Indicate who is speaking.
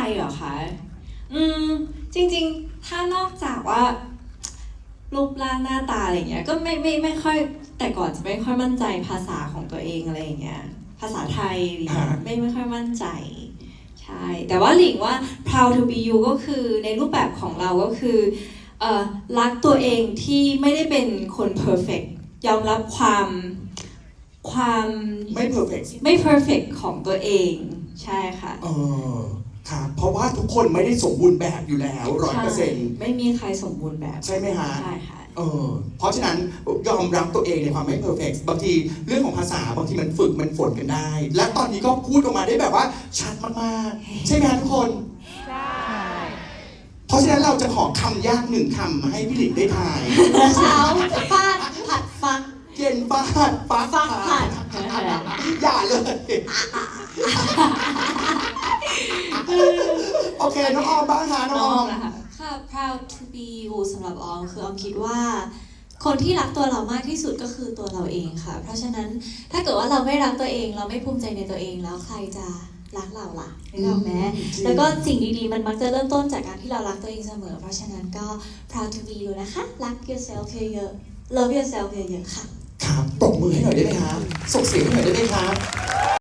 Speaker 1: เหรอคะจริงๆถ้านอกจากว่ารูปร่างหน้าตาอะไรเงี้ยก็ไม่ค่อยแต่ก่อนจะไม่ค่อยมั่นใจภาษาของตัวเองอะไรอย่างเงี้ยภาษาไทยไม่ค่อยมั่นใจใช่แต่ว่าหลิงว่า proud to be you ก็คือในรูปแบบของเราก็คือรักตัวเองที่ไม่ได้เป็นคน perfect ยอมรับความ
Speaker 2: ไม่
Speaker 1: perfect ของตัวเองใช่ค่ะ
Speaker 2: ครับเพราะว่าทุกคนไม่ได้สมบูรณ์แบบอยู่แล้ว100%
Speaker 1: ไม่มีใครสมบูรณ์แบบ
Speaker 2: ใช่ไหมฮะ
Speaker 1: ใช่ค่ะ
Speaker 2: เพราะฉะนั้นยอมรับตัวเองในความไม่เพอร์เฟกต์บางทีเรื่องของภาษาบางทีมันฝึกมันฝนกันได้ และตอนนี้ก็พูดออกมาได้แบบว่าชัดมากๆใช่ไหมฮะทุกคนใช่เพราะฉะนั้นเราจะขอคำยาก1 คำมาให้พี่หลิงได้ทาย
Speaker 3: เช้าฟาดผัดฟัก
Speaker 2: เย็นฟาดฟัก
Speaker 3: ผัด
Speaker 2: อย่าเลยโอเคน้องออมบ้างฮะน้องออม
Speaker 3: ค่ะ proud to be you สำหรับออมคือออมคิดว่าคนที่รักตัวเรามากที่สุดก็คือตัวเราเองค่ะเพราะฉะนั้นถ้าเกิดว่าเราไม่รักตัวเองเราไม่ภูมิใจในตัวเองแล้วใครจะรักเราล่ะนึกออกไหมแล้วก็สิ่งดีๆมันมักจะเริ่มต้นจากการที่เรารักตัวเองเสมอเพราะฉะนั้นก็ proud to be you นะคะรัก yourself เยอะๆ love yourself เยอะๆค่ะ
Speaker 2: ครับปรบมือให้หน่อยได้ไหมครับส่งเสียงให้หน่อยได้ไหมครับ